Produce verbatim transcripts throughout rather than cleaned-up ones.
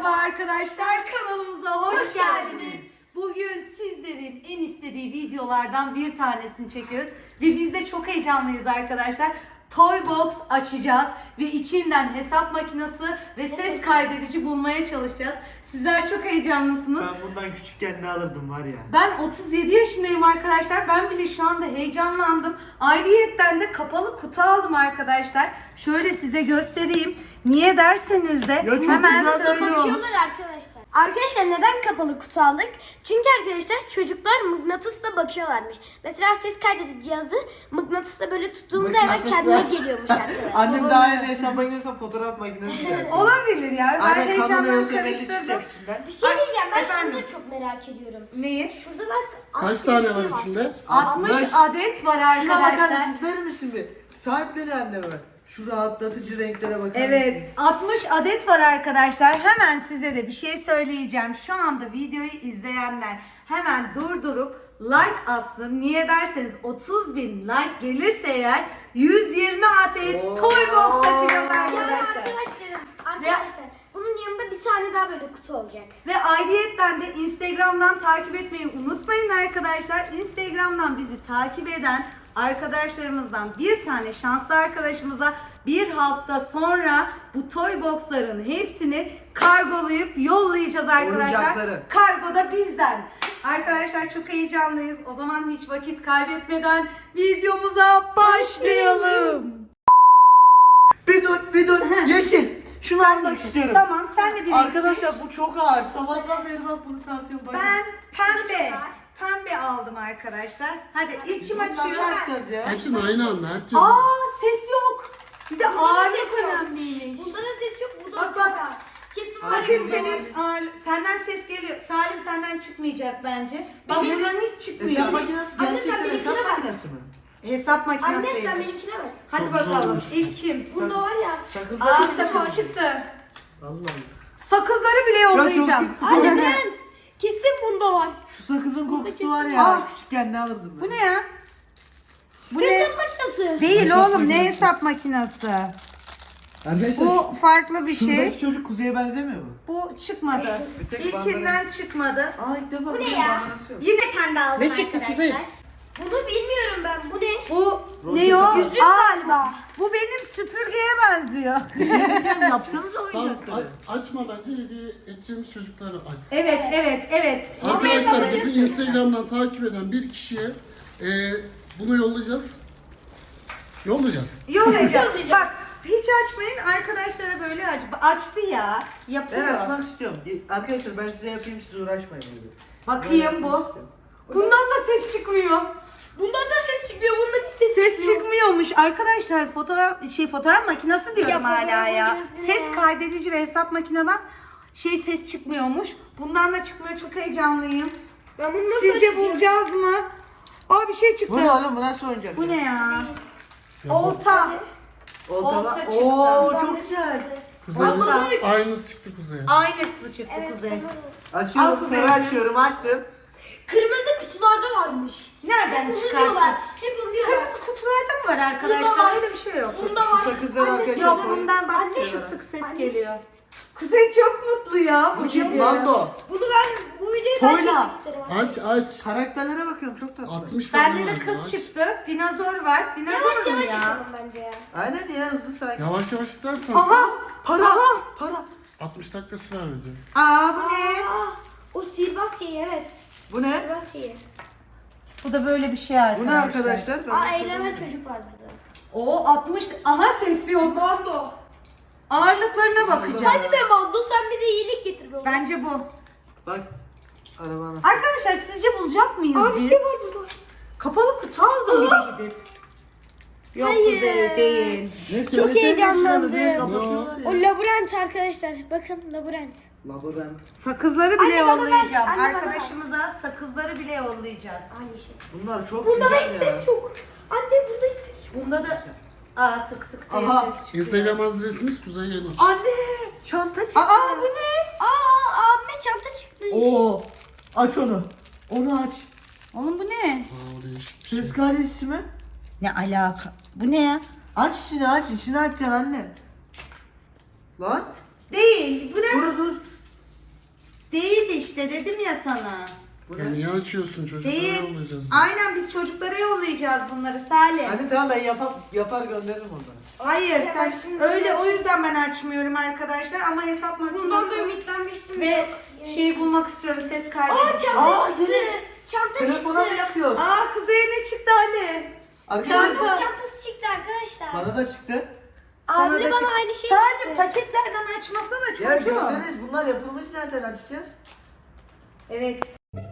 Merhaba arkadaşlar, kanalımıza hoş, hoş geldiniz. Bugün sizlerin en istediği videolardan bir tanesini çekiyoruz ve biz de çok heyecanlıyız arkadaşlar. Toybox açacağız ve içinden hesap makinesi ve ses kaydedici bulmaya çalışacağız. Sizler çok heyecanlısınız. Ben bundan küçükken ne alırdım var ya. Ben otuz yedi yaşındayım arkadaşlar. Ben bile şu anda heyecanlandım. Ayrıyetten de kapalı kutu aldım arkadaşlar. Şöyle size göstereyim. Niye derseniz de Ya çok hemen güzel de söylüyorum. Bakıyorlar arkadaşlar. Arkadaşlar neden kapalı kutu aldık? Çünkü arkadaşlar çocuklar mıknatısla bakıyorlarmış. Mesela ses kaydedici cihazı mıknatısla böyle tuttuğumuz hemen Mıknatısla- kendine geliyormuş arkadaşlar. Annem daha yeni hesap makinesi fotoğraf makinesi geldi. Olabilir ya. Ben Anne heyecandan kameraya sevmeli karıştırdım. çıkacak içinden. Bir şey diyeceğim, ben Efendim? şunu da çok merak ediyorum. Neyi? Şurada bak. Kaç altı tane bir şey var içinde? altmış altmış. adet var Şuna bakar arkadaşlar. mısınız? Verir misin bir? Sahipleri anneme. Şu rahatlatıcı renklere bakar Evet, mısınız? altmış adet var arkadaşlar. Hemen size de bir şey söyleyeceğim. Şu anda videoyu izleyenler hemen durdurup like atsın. Niye derseniz otuz bin like gelirse eğer yüz yirmi adet Oo. Toybox açacağız Ya arkadaşlar. arkadaşlarım, arkadaşlar bunun yanında bir tane daha böyle kutu olacak. Ve ayrıyetten de Instagram'dan takip etmeyi unutmayın arkadaşlar. Instagram'dan bizi takip eden arkadaşlarımızdan bir tane şanslı arkadaşımıza bir hafta sonra bu Toybox'ların hepsini kargolayıp yollayacağız arkadaşlar. Oyuncakları. Kargo da bizden. Arkadaşlar çok heyecanlıyız. O zaman hiç vakit kaybetmeden videomuza başlayalım. Bir dur, bir dur. Yeşil. Şunu almak istiyorum. Tamam, sen de bir Arkadaşlar bu çok ağır. Sabahtan beri bak bunu tartıyorum. Bakın. Ben pembe. var. Pembe aldım arkadaşlar. Hadi ilk kim Bundan açıyor? ne yapacağız ya? Açın aynı anda herkes. Aa, ses yok. Bir de Bunda da ağırlık ses yok. önemliymiş. Bunda da ses yok, burada Bak, da bak. çok ağır. Kesin var. Bakın senin ağırlık, senden ses geliyor. Salim senden çıkmayacak bence. Bak şey- buradan hiç çıkmıyor. Hesap makinesi Anne, sen gerçekten benimkine hesap bak. makinesi mi? Hesap Anne sen makinesiymiş. benimkine bak. Hadi Çok bakalım. zormuş. İlk kim? Bunda var ya. Sakız Aa, sakız çıktı. Vallahi. Sakızları bile yollayacağım. çok- Anne Brent. Kesin bunda var. Şu sakızın kokusu kesin var ya. var. Küçükken ne alırdım ben? Bu ne ya? Bu ne? Hesap makinesi. Değil Hesap oğlum, ne makinesi. hesap makinesi? Arkadaşlar Bu farklı bir şuradaki şey. çocuk kuzeye benzemiyor mu? Bu çıkmadı. Bir tek İlkinden çıkmadı. Aa ilk defa Bu ne bir ya? bandana yok. Yine Pembe aldım Ne çıktı arkadaşlar. Kuzey? Bunu bilmiyorum ben. Bu ne? bu Roket ne o? atar. Yüzük Aa, galiba. bu benim süpürgeye benziyor. Yapsanıza Tamam, oyuncakları. a- açma bence hediye edeceğimiz çocuklar açsın. Evet, evet, evet. Arkadaşlar bizi Instagram'dan takip eden bir kişiye e, bunu yollayacağız. Yollayacağız. Yollayacağım. Yollayacağız. Bak, hiç açmayın, arkadaşlara böyle aç. Açtı ya. Yapıyor. Ben açmak istiyorum. Arkadaşlar ben size yapayım, siz uğraşmayın. Bakayım bu. Bundan da ses çıkmıyor. Bundan da ses çıkmıyor. Bundan hiç ses, Ses çıkmıyor. çıkmıyormuş. Arkadaşlar fotoğraf şey fotoğraf makinesi diyorum Ya, hala fotoğraf ya. makinesi ne Ses ya? kaydedici ve hesap makineden şey ses çıkmıyormuş. Bundan da çıkmıyor. Çok heyecanlıyım. Ben bunu nasıl Sizce açacağım? bulacağız mı? Aa, bir şey çıktı. Bu ne oğlum, bu nasıl oyuncak? Bu ne ya? Ya, Olta. Olta, Olta var. çıktı. Oo Ben çok de güzel. çıktı. Kuzey, Olta. aynısı çıktı Kuzey'e. Aynısı çıktı Evet, Kuzey. tamam. Al Açıyorum, Kuzey. sarı açıyorum, açtım. Kırmızı kutularda varmış. Nereden Hep onu çıkarttın? diyorlar. Hep onu diyorlar. Kırmızı kutularda mı var arkadaşlar? Bunda var. Öyle bir şey yok. Bunda Şu var. sakızları Anne, arkadaşlar Yok, koyun. bundan bak Anne. tık tık tık ses Anne. geliyor. Kuzey çok mutlu ya bu Bu kim? video. Mando. Bunu ben bu videoyu ben Toyla. çekmek isterim. Aç aç. Karakterlere bakıyorum, çok tatlı. altmış tane Bende de var. kız Aç. çıktı. Dinozor var. Yavaş Dinozor mu yavaş ya? açalım bence ya. Aynen ya, hızlı sakin. Yavaş yavaş istersen. Aha! Para, para. altmış dakika sürer video. Aa, bu ne? Aa, o sihirbaz şeyi evet. Bu ne? Sihirbaz şeyi. Bu da böyle bir şey Bu arkadaşlar. ne arkadaşlar? Aa eğlenen çocuk var burada. Oo, altmış. Aha, ses yok. Mando. Ağırlıklarına bakacağım. Hadi be Mando sen bize iyilik getir be. oğlum. Bence bu. Bak. Arabana. Arkadaşlar sizce bulacak mıyız Aa bir biz? şey var burada. Kapalı kutu aldım bir de gidip. Yok Hayır. Kuzey, değil. Ne Çok söylesene heyecanlandım. şunu, direkt kapatıyorlar O ya. labirent arkadaşlar. Bakın labirent. Labirent. Sakızları bile Anne, bana ver. yollayacağım. Anne, bana ver. Arkadaşımıza sakızları bile yollayacağız. Aynı şey. Bunlar çok Bunda da güzel hiç ya. ses yok. Anne bunda hiç ses yok. Bunda da aa tık tık diye Aha, ses çıkıyor. Instagram adresimiz Kuzey Yenir. Anne, çanta çıktı. Aa, bu ne? Aa abime çanta çıktı. Oo. Aç onu. Onu aç. Oğlum bu ne? Aa, değişik bir şey. Ses kaydedicisi mi? Ne alaka? Bu ne ya? Aç içini, aç içini açacaksın anne. Lan. Değil. Bu ne? Dur dur. işte dedim ya sana. Bu Ya ne? niye açıyorsun? Çocuklara Değil. yollayacağız. Aynen biz çocuklara yollayacağız bunları Salih. Hadi tamam ben yapar, yapar gönderirim onları. Hayır Ya sen ben şimdi öyle o açayım. yüzden ben açmıyorum arkadaşlar ama hesap Bundan da makinesi ümitlenmiştim. ve Yok. şeyi bulmak istiyorum ses Aa kaydedici. çanta Aa, çıktı. yine. Çanta Telefona mı çıktı. yapıyoruz? Aa Kuzey'e ne çıktı Ali? Arkadaşlar Çanta çantası çıktı arkadaşlar. bana da çıktı. Sana Abi da bana çıktı. aynı şey Salih çıktı. paketlerden açmasana Ya çocuğum. göndeririz. Bunlar yapılmış zaten açacağız. Evet.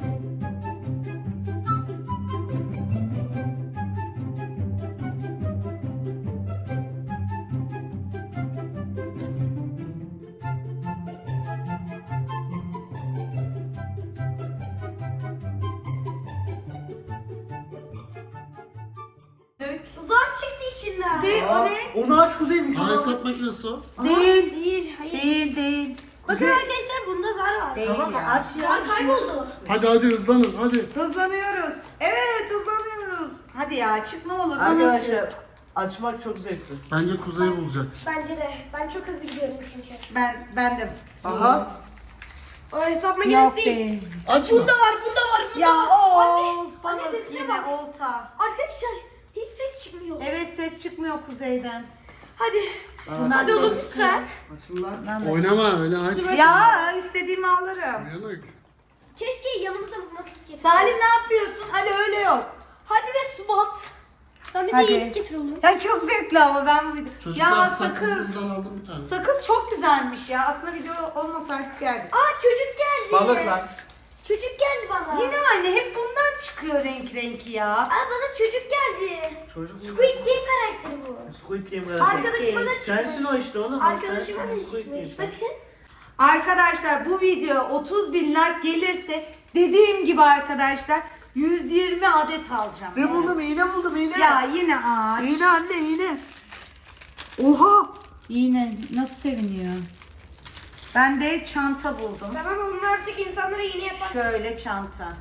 Dök. Zar çıktı içinden. Kuzey o Aa, ne? onu aç Kuzey Ha mikrofonu. hesap makinesi o. Değil. Değil, hayır. Değil değil. Bakın arkadaşlar bunda zar var. Değil Tamam ya. aç ya. Zar kayboldu. Hadi hadi hızlanın hadi. Hızlanıyoruz. Evet hızlanıyoruz. Hadi ya çık ne olur. bana Arkadaşlar çık. açmak çok zevkli. Bence Kuzey bulacak. Bence de. Ben çok hızlı gidiyorum çünkü. Ben ben de. Aha. O hesap Yok makinesi değil. değil. Açma. Bunda var, bunda var, bunda Ya var. o Anne, balık anne sesine yine bak. olta. Arkadaşlar hiç ses çıkmıyor. Evet ses çıkmıyor kuzeyden. Hadi. Bundan Hadi sonra oğlum lütfen. Açın lan. Bundan da- Oynama öyle aç. Ya istediğimi alırım. Uyanık. Keşke yanımıza mıknatıs getirseydin. Salim ne yapıyorsun? Ali öyle yok. Hadi ve Subat. Sen bir de Hadi. yedik getir onu. Ya çok zevkli ama ben bu video. Çocuklar Ya sakız sakız. bizden aldım bir tane. Sakız çok güzelmiş ya. Aslında video olmasaydı geldik. Aa çocuk geldi. Balık lan. Çocuk geldi bana. Yine anne hep bundan çıkıyor renk renkli ya. Aa bana çocuk geldi. Çocuk mu? Squid Game karakteri bu. Squid Game karakteri. Arkadaşıma da çıkmış. Sensin o işte oğlum. Arkadaşıma da Sensin Squid çıkmış. Game. Bakın. Arkadaşlar bu video otuz bin like gelirse dediğim gibi arkadaşlar yüz yirmi adet alacağım. Ne buldum? İğne buldum iğne. Ya yine ağaç. İğne anne iğne. Oha. Yine nasıl seviniyor. Ben de çanta buldum. Tamam onlar artık insanlara yeni yapar. Şöyle çanta.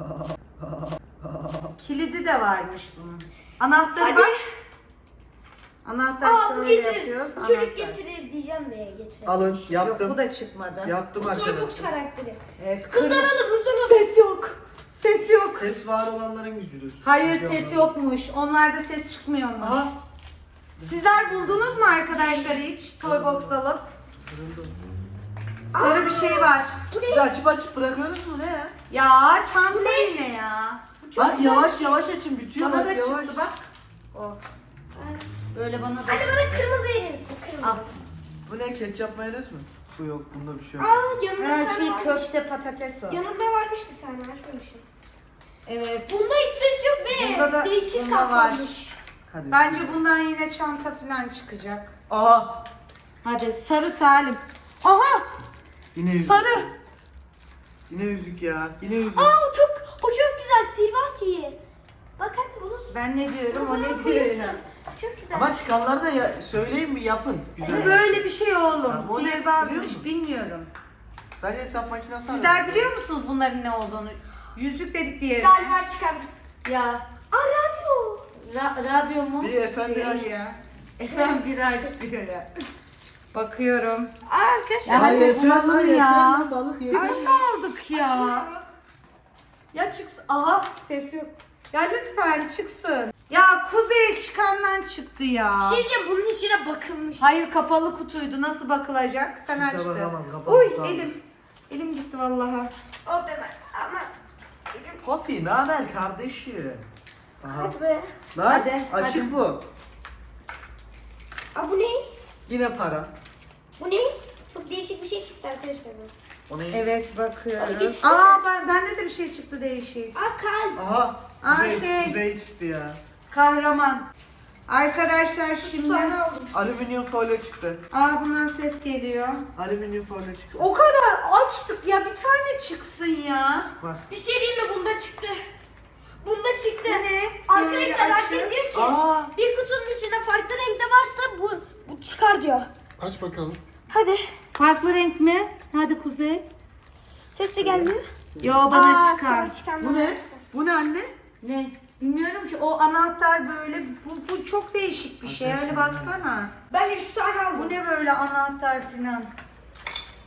Kilidi de varmış bunun. Anahtarı Hadi. bak. Anahtar Aa bu şöyle getirir. yapıyoruz. Bu çocuk anahtar. getirir diyeceğim de getirir. Alın yaptım. Yok bu da çıkmadı. Yaptım Toybox arkadaşlar. karakteri. Evet. Hızlanalım kırmızı- hızlanalım. Ses yok. Ses yok. Ses var olanların gücüdür. Hayır ses yokmuş. Onlarda ses çıkmıyormuş. Aha. Sizler buldunuz mu arkadaşlar hiç Toybox alıp? Sarı bir şey var. Siz açıp açıp bırakıyorsunuz mu ne ya? Ya çanta yine ya. Bak yavaş yavaş açın bitiyor Bana da bak yavaş. çıktı bak. O. Böyle bana da Hadi bana kırmızı verir misin? Kırmızı. Al. Bu ne ketçap mayonez mi? Bu yok bunda bir şey yok. Aa yanımda bir Ee, tane şey varmış. köfte patates o. Yanımda varmış bir tane açmamışım. Evet. Bunda hiç ses yok be. Bunda da Değişik bunda var. kaplanmış. Hadi. Bence bundan yine çanta falan çıkacak. Aha. Hadi sarı Salim. Aha Yine yüzük. sarı. Yine yüzük ya. Yine yüzük. Aa o çok o çok güzel sihirbaz şeyi. Bak hadi bunu Ben ne diyorum o Bunu ne diyor koyuyorsun. ya. Çok güzel. Ama çıkanları da ya, söyleyin bir yapın. Güzel. Bu böyle bir şey Ha, oğlum. o ne biliyor Sihirbazmış musun? bilmiyorum. Sadece hesap makinesi Sizler var. biliyor musunuz bunların ne olduğunu? Yüzük dedik diye. Galiba çıkardım. Ya Aa radyo. ra- radyo mu? Bir efendi Değil aç. ya. Efendim bir aç diyor ya. Bakıyorum. Aa arkadaşlar. Ya hadi yeter lan, bulalım yeter ya. lan, balık yeter. Ay aldık ya. Ya çıksın. Aha ses yok. Ya lütfen çıksın. Ya Kuzey çıkandan çıktı ya. Bir şey diyeceğim bunun içine bakılmış. Hayır kapalı kutuydu. Nasıl bakılacak? Sen Kimse açtın. bakamaz, kapalı Uy kutu almış. elim. Elim gitti vallahi. Hop hemen. Ama. Kofi ne haber kardeşim? Aha. Hadi be. Lan Hadi, açık hadi. bu. Aa bu ne? Yine para. Bu ne? Çok değişik bir şey çıktı arkadaşlar. bu. O ne? Evet Hadi bakıyoruz. geç. Aa ben, bende de bir şey çıktı değişik. Aa kalp. Aha. Aa, Kuzey, şey. Kuzey çıktı ya. Kahraman. Arkadaşlar Üç şimdi. tane aldım. Alüminyum folyo çıktı. Aa bundan ses geliyor. Alüminyum folyo çıktı. O kadar açtık ya bir tane çıksın ya. Bas. Bir şey diyeyim mi? Bunda çıktı. Bunda çıktı. Bu ne? Arkadaşlar Böyle herkes açın. diyor ki Aa. bir kutunun içinde farklı renkte varsa bu, bu çıkar diyor. Aç bakalım. Hadi. Farklı renk mi? Hadi Kuzey. Sesi gelmiyor. Yo bana Aa, çıkar. sana çıkan Bu ne? Bu ne anne? Ne? Bilmiyorum ki o anahtar böyle bu, bu çok değişik bir şey. Öyle baksana. Ben üç tane aldım. Bu ne böyle anahtar filan?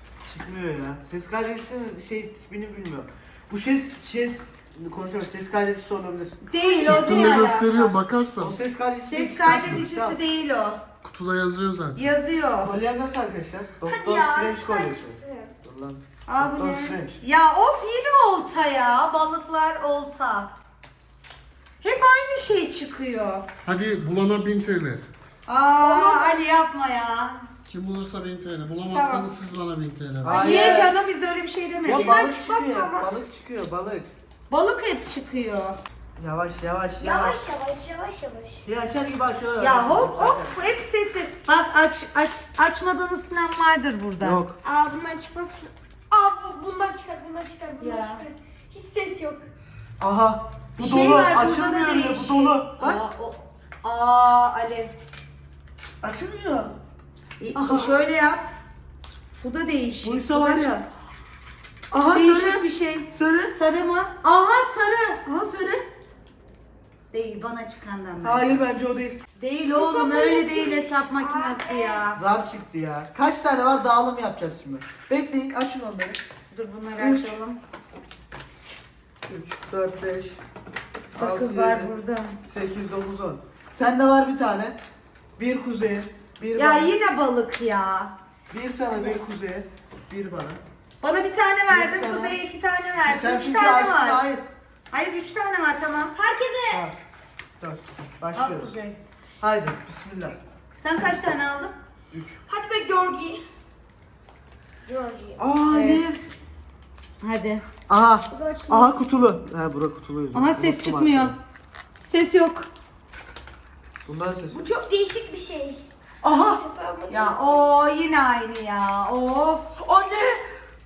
çıkmıyor ya. Ses kaydedicinin şey tipini bilmiyorum. Bu ses ses konuşuyoruz. Ses kaydedicisi olabilir. Değil o değil. Üstünde gösteriyor alaka. bakarsan. O ses kaydedicisi Ses çıkarsın. kaydedicisi Tamam. değil o. Kutuda yazıyor zaten. Yazıyor. Kolyem nasıl arkadaşlar? Hadi Doktor ya. Strange lütfen kolyesi. çıksın. Dur lan. Aa bu Doktor ne? Strange. Ya of yine olta ya. Balıklar olta. Hep aynı şey çıkıyor. Hadi bulana bin T L. Aa Ali yapma ya. Kim bulursa bin T L. Bulamazsanız Tamam. siz bana bin T L. Hayır. Niye canım biz öyle bir şey Ya demedik. balık çıkmaz çıkıyor. ama. Balık çıkıyor balık. Balık hep çıkıyor. Yavaş yavaş yavaş. Yavaş yavaş yavaş yavaş. Ya açar gibi açıyor. Ya hop hop hep sesi. Bak aç aç açmadığınız falan vardır burada. Yok. Aa bundan çıkmaz şu. Aa bu- bundan çıkar bundan çıkar bundan Ya. çıkar. Hiç ses yok. Aha. Bu Bir dolu. şey var burada da Açılmıyor ya, bu değişik. dolu. Bak. Aa, o- Aa Ali. Açılmıyor. E, şöyle yap. Bu da değişik. Buysa Bu da var ya. Aha Değişik söyle. bir şey. Söyle. Sarı mı? Aha sarı. Aha söyle. Değil bana çıkandan ben. Hayır bence o değil. Değil oğlum öyle değil hesap makinesi ya. Zar çıktı ya. Kaç tane var dağılım yapacağız şimdi. Bekleyin açın onları. Dur bunları Üç. açalım. üç, dört, beş, Sakız var burada. sekiz, dokuz, on. Sende var bir tane. Bir kuzeye, bir Ya bana. yine balık ya. Bir sana, bir kuzeye, bir bana. Bana bir tane verdin, sana. Kuzey'e iki tane Sen verdin. Üç çünkü tane açtın, var. hayır. Hayır üç tane var tamam. Herkese Tamam. Dört. Al Başlıyoruz. Kuzey. Haydi bismillah. Sen kaç tane aldın? üç. hadi be Georgi. Georgi. Aa Evet. Hadi. Aha. Bu da açılıyor. Aha kutulu. He bura kutuluydu. Aha ses Unuttum çıkmıyor. artık. Ses yok. Bundan ses. Bu çok değişik bir şey. Aha. Hesabı Ya o yine aynı ya. Of. Anne.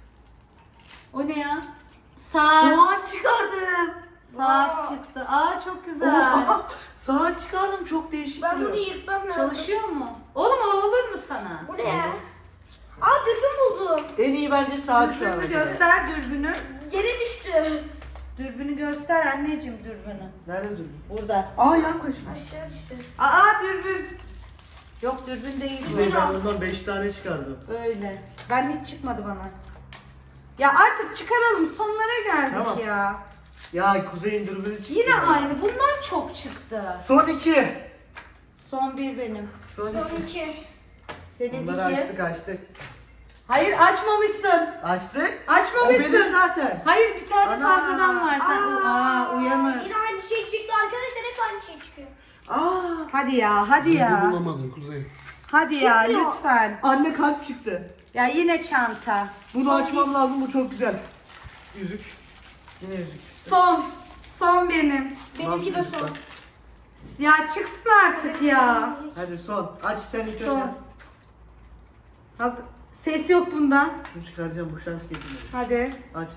O ne ya? Saat. Saat çıkardım. Saat çıktı. Aa çok güzel. Oha, saat çıkardım çok değişik. Ben duruyor. bunu yırtmam lazım. Çalışıyor mu? Oğlum o olur mu sana? Bu ne ya? Aa dürbün buldum. En iyi bence saat şu an. Dürbünü göster dürbünü. Yere düştü. Dürbünü göster anneciğim dürbünü. Nerede durdun? Burada. Aa yaklaş. Aşağı düştü. Aa dürbün. Yok dürbün değil bu. Kuzey ben bundan beş tane çıkardım. Öyle. Ben hiç çıkmadı bana. Ya artık çıkaralım. Sonlara geldik Tamam. ya. Ya Kuzey'in dürbünü çıktı. Yine aynı. Bundan çok çıktı. Son iki. Son bir benim. Son iki. Son iki. Senin Bunları iki. açtık açtık. Hayır açmamışsın. Açtık. O Açmamışsın. benim zaten. Hayır bir tane Ana. fazladan var. Sen aa, uyanır. Yine aynı şey çıktı arkadaşlar, hep aynı şey çıkıyor. Aa. Hadi ya, hadi Zeki ya. bulamadın Kuzey. Hadi ya Çıkmıyor. lütfen. Anne kalp çıktı. Ya yine çanta. Bunu açmam lazım bu çok güzel. Yüzük. Yine yüzük. Son. Son benim. Benimki de son. Ya çıksın artık ya. Hadi son. Aç sen ilk Son. önce. Hazır. Ses yok bundan. Şunu çıkaracağım bu şans getirmedi. Hadi. Aç.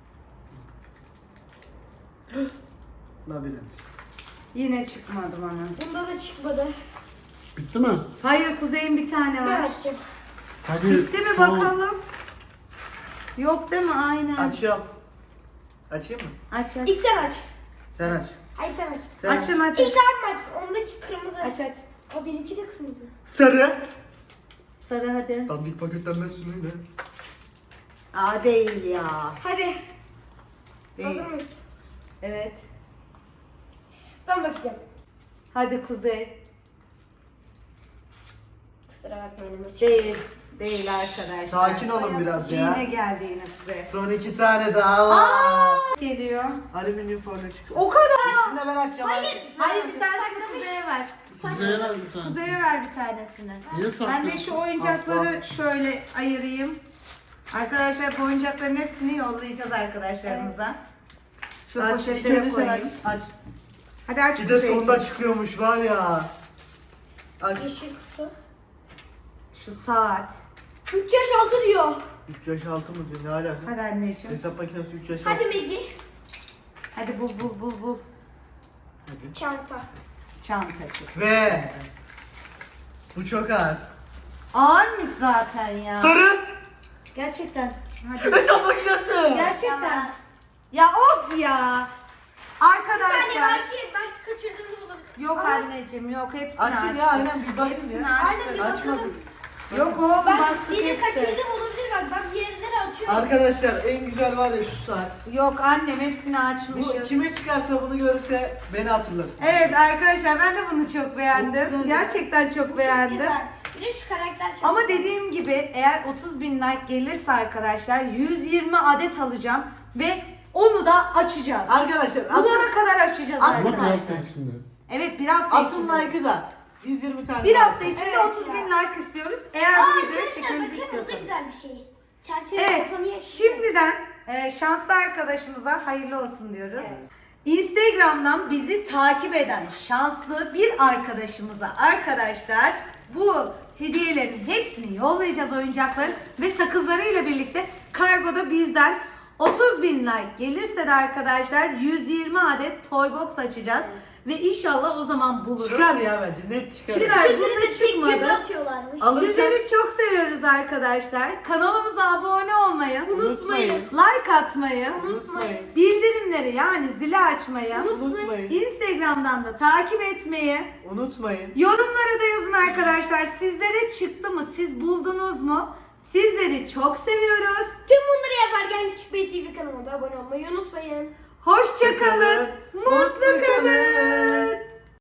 Labirent. Yine çıkmadı bana. Bunda da çıkmadı. Bitti mi? Hayır Kuzey'in bir tane Ben var. açacağım. Hadi Bitti mi son. bakalım? Yok değil mi? Aynen. Açıyorum. Açayım mı? Aç aç. İlk sen aç. Sen aç. Hayır sen aç. Sen Açın aç. hadi. İlk abim açsın. Ondaki kırmızı. Aç aç. O benimki de kırmızı. Sarı. Sarı hadi. Dandik paketlenmezsin öyle. Aa değil ya. Hadi. Değil. Hazır mıyız? Evet. Ben bakacağım. Hadi Kuzey. Kusura bakmayın ama çık- Değil. Değil arkadaşlar. Sakin olun biraz ya. Yine geldi yine Kuzey. Son iki tane daha var. Aa, geliyor. Alüminyum folyo çıktı. O kadar. İkisini de ben açacağım. Hayır. Hayır bir tanesini Kuzey'e ver. Kuzey'e ver bir tanesini. Kuzey'e ver bir tanesini. Niye Ben saklıyorsun? de şu oyuncakları şöyle ayırayım. Arkadaşlar bu oyuncakların hepsini yollayacağız arkadaşlarımıza. Şu Aç, poşetlere ilk önce sen koyayım. Aç. aç. Hadi aç Bir de Kuzey'ciğim. sonunda çıkıyormuş var ya. Aç. Yeşil kutu. Şu saat. üç yaş altı diyor. üç yaş altı mı diyor? Ne alaka? Hadi anneciğim. Hesap makinesi üç yaş altı. Hadi Megi. Hadi bul bul bul bul. Hadi. Çanta. Çantacık. Ve bu çok ağır. Ağırmış zaten ya. Sarı. Gerçekten. Hadi. Hesap makinesi. Gerçekten. Ya of ya. Saniye Arkadaşlar. belki, belki kaçırdığımız olabilir. Yok Ama anneciğim yok hepsini Açın açtık. ya aynen bir bakın Hepsini ya. açtık. Aynen bir Açmadık. Yok oğlum Ben baktık yine hepsi. kaçırdım olabilir bak. Ben bir yerlere Arkadaşlar en güzel var ya şu saat. Yok annem hepsini Bu açmışız. kime çıkarsa bunu görürse beni hatırlarsın. Evet arkadaşlar ben de bunu çok beğendim. Çok güzel. Gerçekten çok Çok beğendim. güzel. Bir de şu karakter çok Ama güzel. dediğim gibi eğer otuz bin like gelirse arkadaşlar yüz yirmi adet alacağım ve onu da açacağız. Arkadaşlar atın, Bulana kadar açacağız Ama Ama bir arkadaşlar. hafta içinde. Evet bir hafta atın içinde. like'ı da yüz yirmi tane. Bir like. hafta içinde Evet otuz bin ya. like istiyoruz. Eğer Aa, bu videoyu arkadaşlar çekmemizi bakın bu da istiyorsanız. güzel bir şey. Çerçeve Evet, kapanıyor. şimdiden e, şanslı arkadaşımıza hayırlı olsun diyoruz. Instagram'dan bizi takip eden şanslı bir arkadaşımıza arkadaşlar bu hediyelerin hepsini yollayacağız, oyuncakların ve sakızlarıyla birlikte kargoda bizden otuz bin like gelirse de arkadaşlar yüz yirmi adet toy box açacağız ve inşallah o zaman buluruz. Çıkar ya bence net çıkar. Çıkar. Sizleri Bunda de tek çıkmadı. gibi atıyorlarmış. Alın. Sizleri çok seviyoruz arkadaşlar. Kanalımıza abone olmayı, Unutmayın. like atmayı, Unutmayın. bildirimleri yani zili açmayı, Unutmayın. Instagram'dan da takip etmeyi, Unutmayın. yorumlara da yazın arkadaşlar. Sizlere çıktı mı? Siz buldunuz mu? Sizleri çok seviyoruz. Tüm bunları yaparken Küçük Bey T V kanalına da abone olmayı unutmayın. Hoşça kalın. Hoşça kalın. Mutlu kalın.